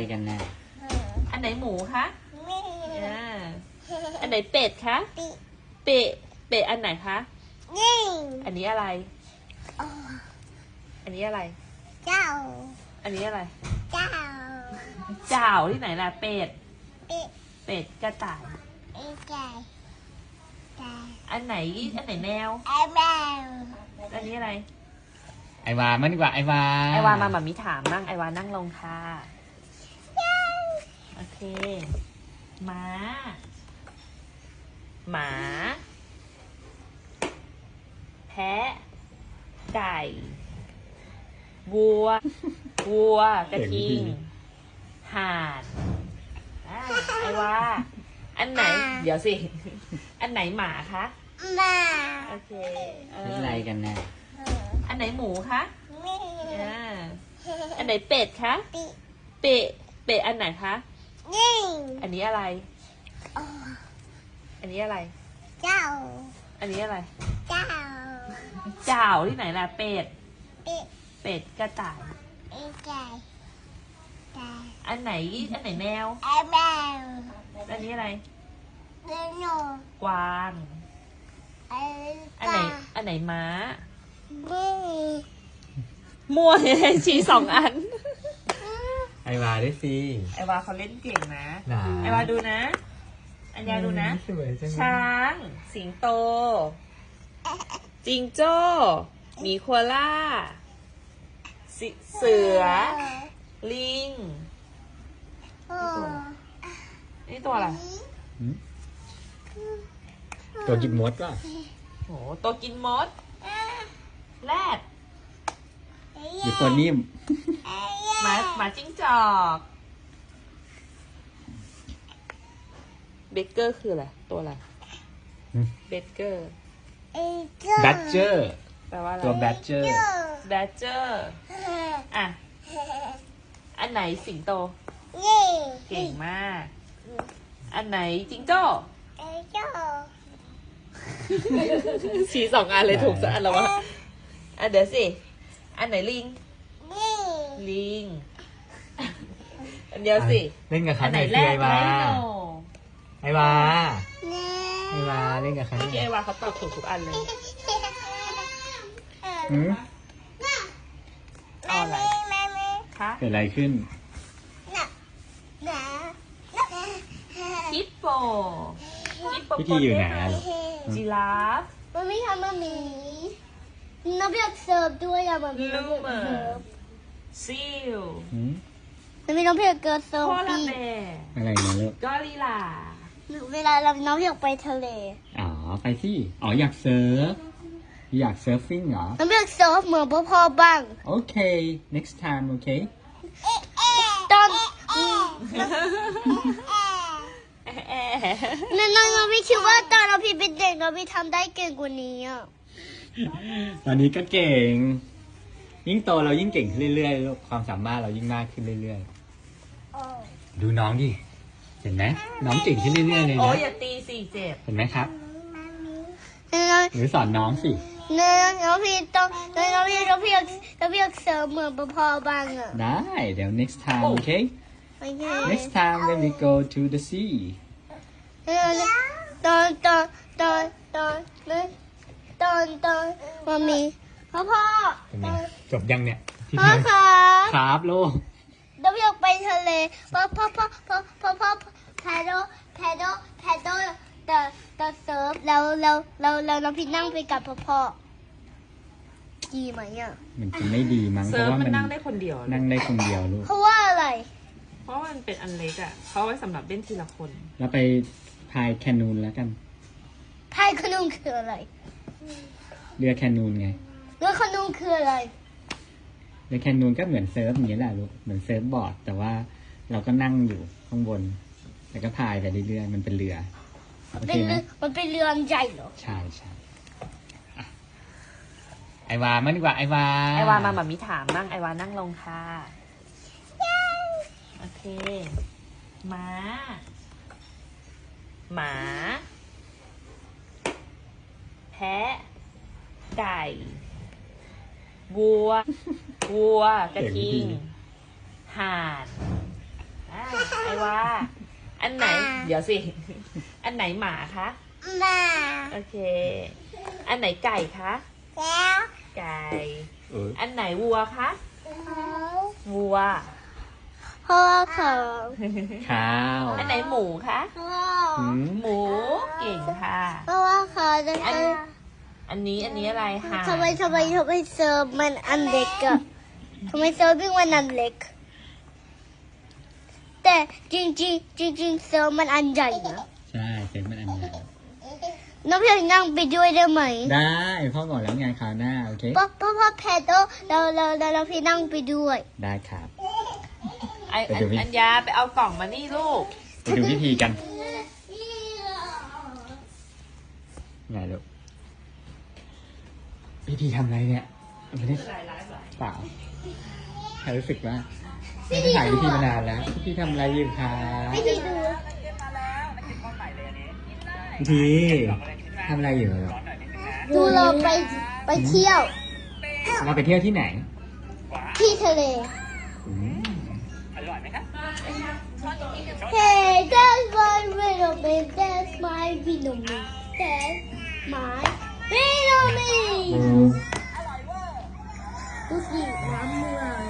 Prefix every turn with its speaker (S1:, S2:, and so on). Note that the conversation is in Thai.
S1: กันนะ
S2: อันไหนหมูคะอันไหนเป็ดคะเป็ดอันไหนคะอันนี้อะไรอันนี้อะไร
S3: เจ้า
S2: อันนี้อะไร
S3: เจ้า
S2: จ่าวที่ไหนล่ะเป็ดกระต่ายอันไหนแมวอันนี้อะไร
S1: ไอวามันดีกว่าไอวา
S2: มาแบบมีถามนั่งไอวานั่งลงค่ะโอเคหมาแพะไก่วัวกระทิงห่านไอวาอันไหนเดี๋ยวสิอันไหนหมาคะโอเค
S1: เป็นอะไรกันนะ
S2: อันไหนหมูคะอันไหนเป็ดคะเป็ดอันไหนคะอันนี้อะไรอันนี้อะไร
S3: เจ้า
S2: อันนี้อะไร
S3: เจ้า
S2: จ่าวที่ไหนล่ะเป็ดกระต่ายอันไหนแมวอันนี้อะไรกวางอันไหนม้ามั่วชี้สองอัน
S1: ไอวาได้สิ
S2: ไอวาเขาเล่นเก่งนะไอวาดูนะอันยาดูนะช้างสิงโตจิงโจ้หมีโคอาล่าเสือลิงนี่ตัวอะไร
S1: ตัวกินมดป่ะ
S2: โหตัวกินมดแรด
S1: หรือตัวนิ่ม
S2: หมาจิ้งจอกเบเกอร์คืออะไรตัวอะไรเบเกอร์
S1: แบดเจอร์
S2: แปลว่าอะไร
S1: ตัวแบดเจอร์
S2: อ่ะอันไหนสิงโตเก่งมากอันไหนจิงโจ้ชี้สองอันเลยถูกสักอันแล้ววะเดี๋ยวสิอันไหนลิงอันเดียวสิ
S1: เล่นกับเขาไหนไอวาเล่นกับเขา
S2: ไอวาเขาตอบถูกทุกอันเลยเอาอะไรคะ
S1: เกิดอะไรขึ้น
S2: ฮิปโป
S1: พิธีอยู่ไหน
S2: จิราฟ
S3: มันไม่ทำมันมีน้องเรียกเสิร์ฟด้วยอะมันมี
S2: ลูเมอร์ซีล
S3: มันมีน้องเรียกเกิร์ลเสิร์ฟปี
S1: อะไรนะลูก
S2: กอริลลา
S3: เวลาเราน้องอยากไปทะเล
S1: ไปที่อยากเซิร์ฟฟิ้งเหรอ
S3: น้องอยากเซิร์ฟเหมือนพ่อบ้าง
S1: โอเค next time โอเค
S3: ตอนน้องพี่คิดว่าตอนเราพี่เป็นเด็กเราพี่ทำได้เก่งกว่านี้อ่ะ
S1: ตอนนี้ก็เก่งยิ่งโตเรายิ่งเก่งขึ้นเรื่อยๆความสามารถเรายิ่งมากขึ้นเรื่อยๆดูน้องดิเห็นไหมน้องเก่งขึ้นเรื่อยๆเลยนะ
S2: โอ้ยอย่าตีสิเจ็บ
S1: เห็นไหมครับหรือสอนน้องสิ
S3: น้องพี่ต้องน้องพี่อยากเสิร์ฟเหมือนพ่อบ้างอ่ะ
S1: ได้เดี๋ยว next time okay next time when we go to the sea
S3: ตอนมามีพ่อ
S1: จบยังเนี่ย
S3: พ่อ
S1: ครับลูก
S3: เราอยากไปทะเลพ่อแพดแต่เซิร์ฟแล้วน้องพี่นั่งไปกับพ่อดีไหมอ่ะ
S1: มันจะไม่ดีมั้ง
S2: เพราะว่ามันนั่งได้คนเดียว
S1: ลูก
S3: เพราะว่าอะไร
S2: เพราะมันเป็นอันเล็กอ่ะเขาไว้สำหรับเล่นทีละคน
S1: แล้วไปพายแคนูนแล้วกัน
S3: พายแคนูนคืออะไร
S1: เรือแคนูนไง
S3: เรือแคนูนคืออะไร
S1: เรือแคนูนก็เหมือนเซิร์ฟอย่างนี้แหละลูกเหมือนเซิร์ฟบอร์ดแต่ว่าเราก็นั่งอยู่ข้างบนแล้วก็พายไปเรื่อยๆมันเป็นเรือ
S3: มันเป็นเรือใหญ่เหรอ
S1: ใช่ไอวามันดีกว่าไอวา
S2: มาแบบมีถามนั่งไอวานั่งลงค่ะโอเคหมาแพะไก่วัวกระทิงห่านว่า อันไหน เดี๋ยวสิ อันไหนหมาคะ
S3: มา
S2: โอเค อันไหนไก่คะ
S3: แล้ว
S2: ไก่
S1: เออ
S2: อันไหนวัวคะ
S3: เขา
S2: วัว
S3: พ่อเขา
S1: ข้าว
S2: อันไหนหมูคะ
S3: พ่อ
S1: หืม
S2: หมู เก่งค่ะ
S3: เพราะว่าเขาจะ
S2: อันนี้อะไรห่าน
S3: ทำไมเซิร์ฟมันอันเล็กอะทำไมเซิร์ฟวิ่งมันอันเล็ก แต่จริงเซิร์ฟมันอันใหญ่นะ
S1: ใช่เซ็นมันอันใหญ่
S3: น้องเพียงนั่งไปด้วยได้ไหม
S1: ได้พ่อบอกแล้วไงคราวหน้าโอเค
S3: พ่อแพทโตเราพี่นั่งไปด้วย
S1: ได้ครับ
S2: อัญญาไปเอากล่องมานี่ลูก
S1: ไปดูวิธีกันไงลูกพี่พีทำอะไรเนี่ยไม่ได้เปล่าใครรู้สึกว่าไม่ได้ถ่ายวิธีมานานแล้วพี่ทำอะไรอยู่คะ
S3: ไม่ได้ดู
S1: พี่พีทำอะไรอยู่เหรอ
S3: ดูเราไปเที่ยว
S1: เราไปเที่ยวที่ไหน
S3: ที่ทะเล
S1: อืม
S3: Hey that's my little bit that's my Vietnamese that's my Vietnamese ดูสิน้ำเมือง